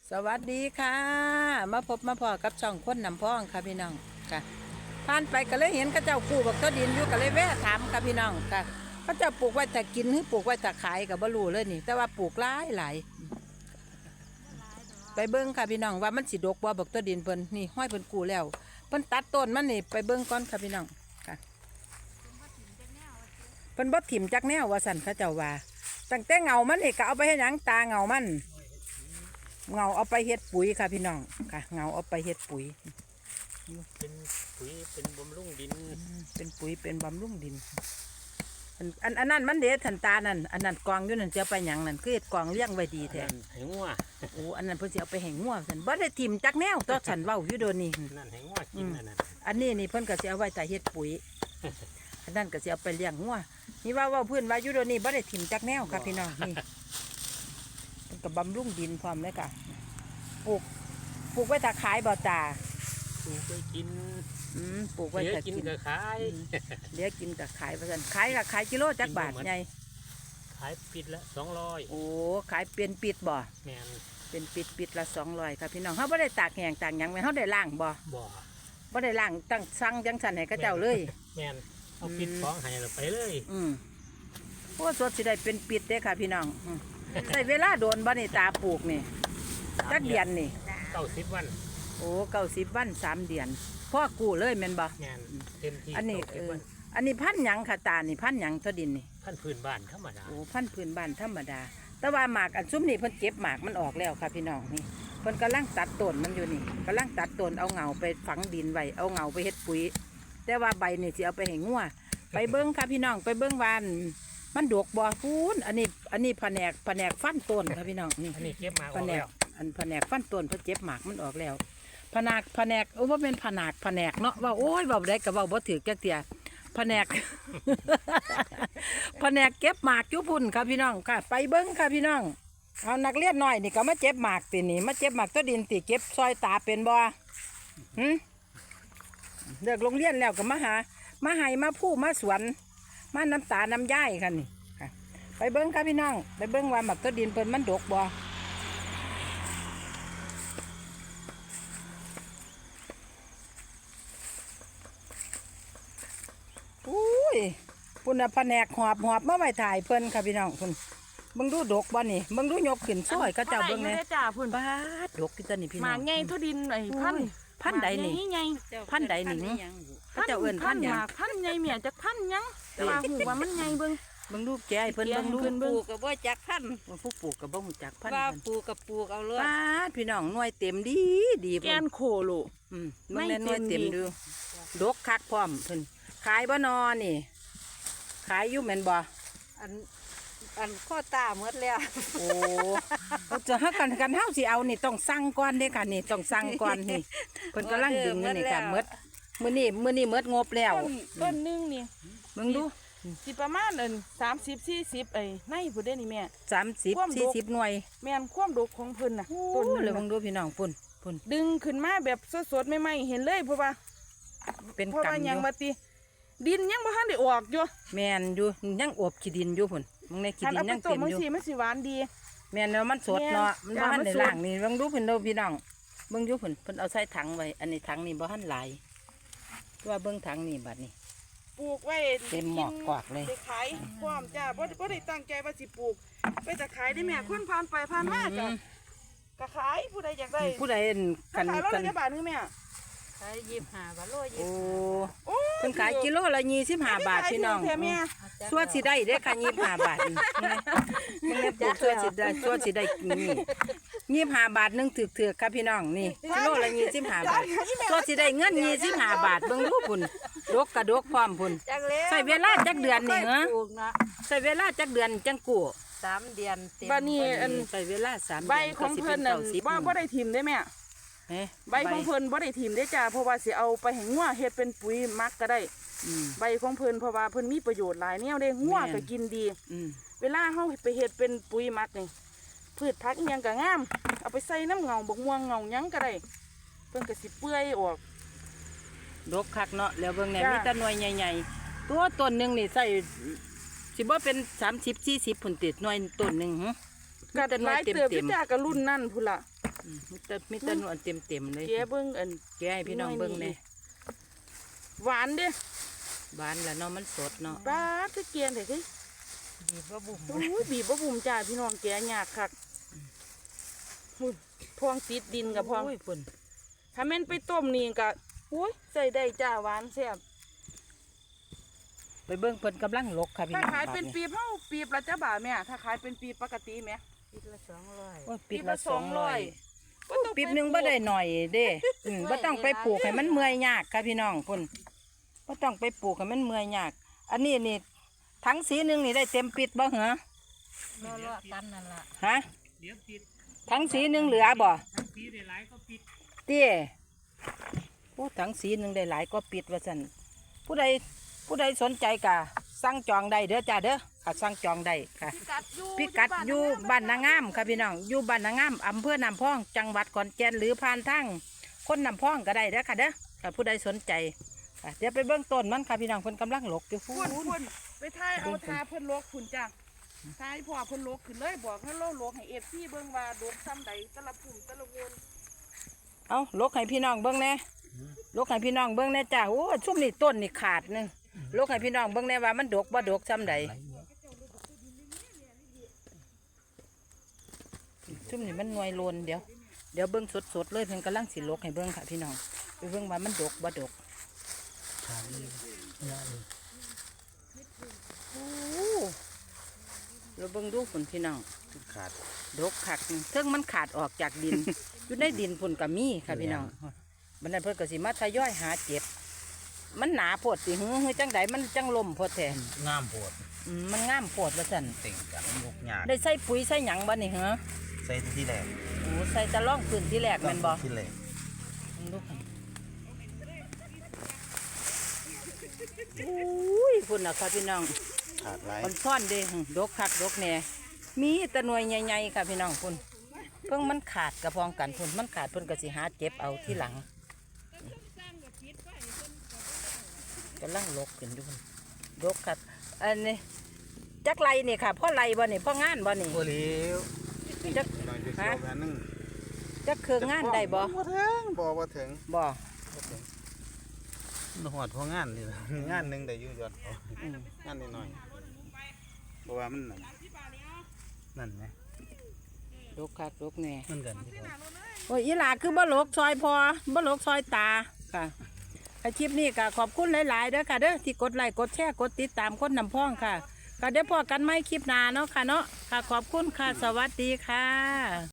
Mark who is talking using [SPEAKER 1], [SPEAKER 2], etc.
[SPEAKER 1] สวัสดีค่ะมาพบมาพอกับช่องคนนำพ้องค่ะพี่น้องค่ะผ่านไปก็เลยเห็นเขาเจ้าปลูกบักต้นดินอยู่ก็เลยแวะถามค่ะพี่น้องค่ะเขาเจ้าปลูกไว้แต่กินหรือปลูกไว้แต่ขายกับบรูเลยนี่แต่ว่าปลูกหลายไปเบิ้งค่ะพี่น้องว่ามันสิดกบ่บักต้นดินเพิ่นนี่ห้อยเพิ่นกูแล้วเพิ่นตัดต้นมันนี่ไปเบิ้งก่อนค่ะพี่น้องค่ะเพิ่นบ่ถิ่มจักแนวว่าสั่นเขาเจ้าว่าตั้งแต่เงามันนี่ก็เอาไปให้หยังตาเงามันเงาเอาไปเฮ็ดปุ๋ยค่ะพี่น้องค่ะเงาเอาไปเฮ็ดปุ๋ย
[SPEAKER 2] เป็นปุ๋ยเป็นบำรุงดิน
[SPEAKER 1] เป็นปุ๋ยเป็นบำรุงดินอันนั้นมันเด็ดทันตานั่นอันนั้นกองอยู่นั่นจะไปหยังนั่นคือเฮ็ดกองเลี้ยงไว้ดีแท้
[SPEAKER 2] ให้งัว
[SPEAKER 1] โอ้อันนั้นเพิ่นสิเอาไปให้งัวซั่นบ่ได้ทิ่มจักแนวต่อฉันเว้าอยู่โดนนี่
[SPEAKER 2] นั่นให้งัวกิน
[SPEAKER 1] อันนี้นี่เพิ่นก็สิเอาไว้แต่เฮ็ดปุ๋ยอันนั้นก็สิเอาไปเลี้ยงงัวนี่ว่าพื้นว่าอยู่โดนนี่บ่ได้ทิ่มจักแนวค่ะพี่น้องนี่เพิ่นก็บำรุงดินพร้อมเลยค่ะปลูกไว้ถ้าขายบ่ตา
[SPEAKER 2] ปลูกไว้กิน
[SPEAKER 1] ปลูกไว้ถ้ากิน
[SPEAKER 2] ก็ขาย
[SPEAKER 1] เลี้ยงกินก็ขายว่าซั่นขายก็ขายกิโลจักบาทใหญ่
[SPEAKER 2] ขายปิดละ200
[SPEAKER 1] โอ้ขายเป็นปิดบ่
[SPEAKER 2] แม่น
[SPEAKER 1] เป็นปิดละ200ครับพี่น้องเขาไม่ได้ตากแห้งตากหยังแม่เขาได้ล้างบ่ได้ล้างตั้งสั่งจังสันให้เขาเจ้าเลย
[SPEAKER 2] แม่นเอาปิดของให้เราไปเลย
[SPEAKER 1] โอ้สดสิได้เป็นปิดเด้ค่ะพี่น้องใส่เวลาโดนบ่นี่ตาปลูกนี่จักเดือนนี่
[SPEAKER 2] 90 วัน
[SPEAKER 1] โอ้90 วัน3 เดือนพ่อกู้เลยแม่นบ่
[SPEAKER 2] แม่นเต็มที่
[SPEAKER 1] อันนี้พันหยังค่ะตานี่พันหยังตัวดินนี่
[SPEAKER 2] พันพื้นบ้านธรรมดา
[SPEAKER 1] โอ้พันพื้นบ้านธรรมดาแต่ว่าหมากอันซุ้มนี่เพิ่นเก็บหมากมันออกแล้วค่ะพี่น้องนี่เพิ่นกำลังตัดต้นมันอยู่นี่กำลังตัดต้นเอาเงาไปฝังดินไว้เอาเงาไปเฮ็ดปุ๋ยแต่ว่าใบนี่สิเอาไปให้งัวไปเบิ้งค่ะพี่น้องไปเบิ้งวานมันดกบ่ฟูนอันนี้แผนกฟันต้นค่ะพี่น้องนี่
[SPEAKER 2] อันนี้เก็บหมากอ
[SPEAKER 1] อกแล้วแผนกฟันต้นเพิ่นเก็บหมากมันออกแล้วแผนกโอ้ว่าเป็นแผนกเนาะว่าโอ้ยเว้าได้ก็เว้าบ่ถูกจักเที่ยแผนกเก็บหมากจุพุ่นค่ะพี่น้องค่ะไปเบิ้งค่ะพี่น้องเอานักเรียนหน่อยนี่ก็มาเจ็บหมากตีนี่มาเจ็บหมากต้นดินตีเก็บซอยตาเป็นบ่เลิกโรงเรียนแล้วก็มาให้มาผู้มาสวนมาน้ำตาน้ำย่ายค่ะนี่ค่ะไปเบิ้งค่ะพี่น้องไปเบิ้งว่าหมากต้นดินเป็นมันดกบ่อุ้ยพุ่นแผนกหอบมาไว้ถ่ายเพิ่นค่ะพี่น้องพุ่นเบิ่งดูดกบ่นี่เบิ่งดูยกขึ้นซอยก็เจ้าเบิ่งแน่
[SPEAKER 3] จ้าพุ่น
[SPEAKER 1] บาดดกที่ต้นนี่พี่น้อง
[SPEAKER 3] หมากใหญ่ทุดินไอ้
[SPEAKER 1] พันใดนี่พันใดนี่ก็เจ้าเอิ้นพันหยัง
[SPEAKER 3] หมากพันใหญ่เมียจักพันหยังแต่ว่าหูว่ามันใหญ่เบิ่ง
[SPEAKER 1] ดูแกให้เพิ่นเบิ่งดู
[SPEAKER 4] ปลูกกับบ่จักพัน
[SPEAKER 1] ผู้ปลูกกับบ่ฮู้จักพัน
[SPEAKER 4] ว่าปลูกกับปลูกเอาเลย
[SPEAKER 1] บาดพี่น้องหน่วยเต็มดี
[SPEAKER 3] แกนโคโล
[SPEAKER 1] มันหน่วยเต็มดูดกคักพร้อมเพิ่นขายบ่นอนี่ขายอยู่แม่นบ่
[SPEAKER 4] อันข้อตาหมดแล้ว
[SPEAKER 1] โอ้จะหากันเฮาสิเอานี่ต้องสั่งก่อนเด้ค่ะนี่ต้องสั่งก่อนนี่เพิ่นกำลังดึงอยู่นี่ค่ะหมดมื้อนี้หมดงบแล้ว
[SPEAKER 3] ต้นนึงนี่
[SPEAKER 1] เบิ่งดู
[SPEAKER 3] สิประมาณ30-40ไอ้ในพุ่นเด้นี่แม่
[SPEAKER 1] 30-40หน่วย
[SPEAKER 3] แม่นความดกของเพิ่นน่ะ
[SPEAKER 1] ต้นเลยเบิ่งดูพี่น้องปุ่น
[SPEAKER 3] ดึงขึ้นมาแบบสดๆใหม่ๆเห็นเลยเพราะว่า
[SPEAKER 1] เป็นกำ
[SPEAKER 3] ยังมาติดินยังบ่ทันได้ออกอยู่
[SPEAKER 1] แม่นอยู่ยังอวบขี้ดินอยู่พุ่นมึงในขี้ดินยังเต็มอยู่
[SPEAKER 3] มันสิหวานดี
[SPEAKER 1] แม่นแล้วมันสดเนาะมันบ่ทันได้ล้างนี่เบิ่งดูเพิ่นเด้อพี่น้องเบิ่งอยู่เพิ่นเอาใส่ถังไว้อันนี้ถังนี่บ่ทันหลายว่าเบิ่งถังนี่บัดนี้
[SPEAKER 3] ปลูกไว้
[SPEAKER 1] เต็มหมอกกวากเลย
[SPEAKER 3] ไปขายพร้อมจ้าบ่ได้ตั้งใจว่าสิปลูกไปจะขายได้แม่คนผ่านไปผ่านมาจ้ะก็ขายผู้ใดอยากได้
[SPEAKER 1] ผู้ใด
[SPEAKER 3] กันละบาทนึงแม่
[SPEAKER 4] ขาย25 บาทโล
[SPEAKER 1] โอ้เพิ่นขายกิโลละ25 บาทพี่น้องส่วนสิได้เด้ค่ะ25 บาทมึงเนี่ยปลูกส่วนสิได้นี่25 บาทนึงถือครับพี่น้องนี่กิโลละ25 บาทส่วนสิได้เงิน25 บาทเบิ่งดูพุ่นดกกระดกพร้อมพุ่นใส่เวลาจักเดือนนี่เหรอใส่เวลาจักเดือนจังกู้
[SPEAKER 4] 3 เดือน
[SPEAKER 3] เต็มบัดนี้
[SPEAKER 1] ใส่เวลา3 เดือน
[SPEAKER 3] ใบของเพิ่นน่ะบ่ได้ทิ่มได้แม่ใบของเพิ่นบ่ได้ทิ่มได้จ้าเพราะว่าสิเอาไปให้งัวเฮ็ดเป็นปุ๋ยมักก็ได้ใบของเพิ่นเพราะว่าเพิ่นมีประโยชน์หลายแนวเด้งัวก็กินดีเวลาเฮาไปเฮ็ดเป็นปุ๋ยมักนี่พืชผักอีหยังก็งามเอาไปใส่น้ำเงาบักม่วงเงาหยังก็ได้เพิ่นก็สิเปื่อยออก
[SPEAKER 1] ดกคักเนาะแล้วเบิ่งแหน่มีแต่หน่วยใหญ่ๆตัวต้นนึงนี่ใส่สิบ่เป็น30-40ผลติดหน่วยต้นนึง
[SPEAKER 3] ก็หลายเติบจ้าก็รุ่นนั่นพุ่นล่ะ
[SPEAKER 1] มีแต่นวลเต็มเลย
[SPEAKER 3] แกเบิ่งอัน
[SPEAKER 1] แกให้พี่น้องเบิ่งแน่
[SPEAKER 3] หวานเด้
[SPEAKER 1] บานแล้วเนาะมันสดเนาะ
[SPEAKER 3] ปลาคือเกียนเด้คือ
[SPEAKER 4] บีบว่าบุ๋ม
[SPEAKER 3] โอ้ยบีบบ่บุ่มจ้าพี่น้องแกยากคักอุ้ยพวงติดดินกับพวง
[SPEAKER 1] โอ้ยพุ่น
[SPEAKER 3] ถ้าแม่นไปต้มนี่ก็โอ้ยใส่ได้จ้าหวานแซ่บ
[SPEAKER 1] ไปเบิ่งเพิ่นกำลังลกค่ะพี่
[SPEAKER 3] ถ้า
[SPEAKER 1] น้อง
[SPEAKER 3] ขายเป็น
[SPEAKER 1] บด
[SPEAKER 3] ปีบเฮาปีบละจ้าบาทแม่ถ้าขายเป็นปีปกติแม่
[SPEAKER 4] ปีละ200
[SPEAKER 1] โอ้ยปีละ
[SPEAKER 3] ปีละ200
[SPEAKER 1] 200ปีหนึงบ่ได้หน่อยเด้บ่ต้องไปปลูกให้มันเมื่อยยากค่ะพี่น้องพุ่นบ่ต้องไปปลูกให้มันเมื่อยยาก อันนี้นี่ทั้งสีหนึงนี่ได้เต็มปิดบ่เหรอ
[SPEAKER 4] เลาะๆกันนั่นล่ะ
[SPEAKER 1] ฮะ
[SPEAKER 2] เดี๋ยวปิด
[SPEAKER 1] ทั้งสีหนึงเหลือบ่
[SPEAKER 2] ทั้งปีได้หลายก็ปิด
[SPEAKER 1] เตี้ยโอ้ทั้งสีหนึงได้หลายก็ปิดว่าซั่นผู้ใดสนใจก็สั่งจองได้เด้อจ้าเด้อค่ะสั่งจองได้ค่ะ พิกัดอยู่บ้านนางามค่ะพี่น้องอยู่บ้านนางามอำเภอน้ำพองจังหวัดขอนแก่นหรือผ่านทางคนน้ำพองก็ได้เด้อค่ะเด้อค่ะผู้ใดสนใจค่ะเดี๋ยวไปเบื้องต้นมันค่ะพี่น้องเพิ่นกำลังหลกอยู่
[SPEAKER 3] พุ่นพุ่นไปทายเอาทาเพิ่นลกพุ่นจ้าทายพ่อเพิ่นลกขึ้นเลยบอกให้เราลกให้ FC เบิ่งว่าโดดซ้ำใดแต่ละพุ่มแต่ละวน
[SPEAKER 1] เอาหลกให้พี่น้องเบื้องแน่หลกให้พี่น้องเบื้องแน่จ้าโอ้ซุ่มนี่ต้นนี่ขาดนึงหลกให้พี่น้องเบื้องแน่ว่ามันดกบ่ดกซ้ำใดซุ่มนี่มันหน่วยโลนเดี๋ยวเบื้องสดๆเลยเพิ่นกำลังสิหลกให้เบื้องค่ะพี่น้องไปเบื้องว่ามันดกบ่ดก
[SPEAKER 2] ขาดเลยงาน
[SPEAKER 1] โอ้เราเบิ่งดูฝุ่นพี่น้อง
[SPEAKER 2] ขาด
[SPEAKER 1] ดกขักเทิงมันขาดออกจากดิน อยู่ในดินฝุ่นกับมีค่ะพี่น้องบันนั้นเพิ่นก็สิมาทยอยหาเจ็บ มันหนาโพดสิหือจังใดมันจังลมโพดแท้
[SPEAKER 2] งามโพด
[SPEAKER 1] มันงามโพดว่าซั่น
[SPEAKER 2] เต่งกันยกหยาด
[SPEAKER 1] ได้ใส่ปุ๋ยใส่หยังบ่นี่เหรอ
[SPEAKER 2] ใส่ที่แรก
[SPEAKER 1] โอ้ใส่ตะล่องพื้นที่แรกแม่นบ่
[SPEAKER 2] ที่แรก
[SPEAKER 1] เบิ่งดูค่ะอุ้ยฝุ่นน่ะค่ะพี่น้อง
[SPEAKER 2] ขาดหลาย
[SPEAKER 1] มันซ่อนเด้ดกคักดกแหน่มีแตะหน่วยใหญ่ๆค่ะพี่น้องพุ่นเพิ่งมันขาดกระพองกันพุ่นมันขาดเพิ่นก็สิหาเจ็บเอาที่หลังกำลังลกขึ้นอยู่พุ่นดกครับอันนี้จักไรนี่ค่ะพ่อไรบ่นี่พ่องานบ่นี่
[SPEAKER 2] โอ้เลี้ยว
[SPEAKER 1] จัก
[SPEAKER 5] หน่อยจะชอบอันนึง
[SPEAKER 1] จักคืองานได้บ่
[SPEAKER 5] บ่ถึงบ่ถึง
[SPEAKER 1] บ่
[SPEAKER 5] หอดพองานนี่ล่ะ งานหนึงได้อยู่ยอดเขา
[SPEAKER 1] อืม
[SPEAKER 5] งานนิดหน่อยเพราะว่ามันนั่นไง
[SPEAKER 1] ดกคักดกแหน่
[SPEAKER 2] มันกัน
[SPEAKER 1] โอ้ยอีหลาคือบ่หลกซอยพอบ่หลกซอยตาค่ะคลิปนี้ก็ขอบคุณหลายๆเด้อค่ะเด้อที่กดไลค์กดแชร์กดติดตามคนนำพ้องค่ะก็เดี๋ยวพอกันไหมคลิปหน้าเนาะค่ะเนาะค่ะขอบคุณค่ะสวัสดีค่ะ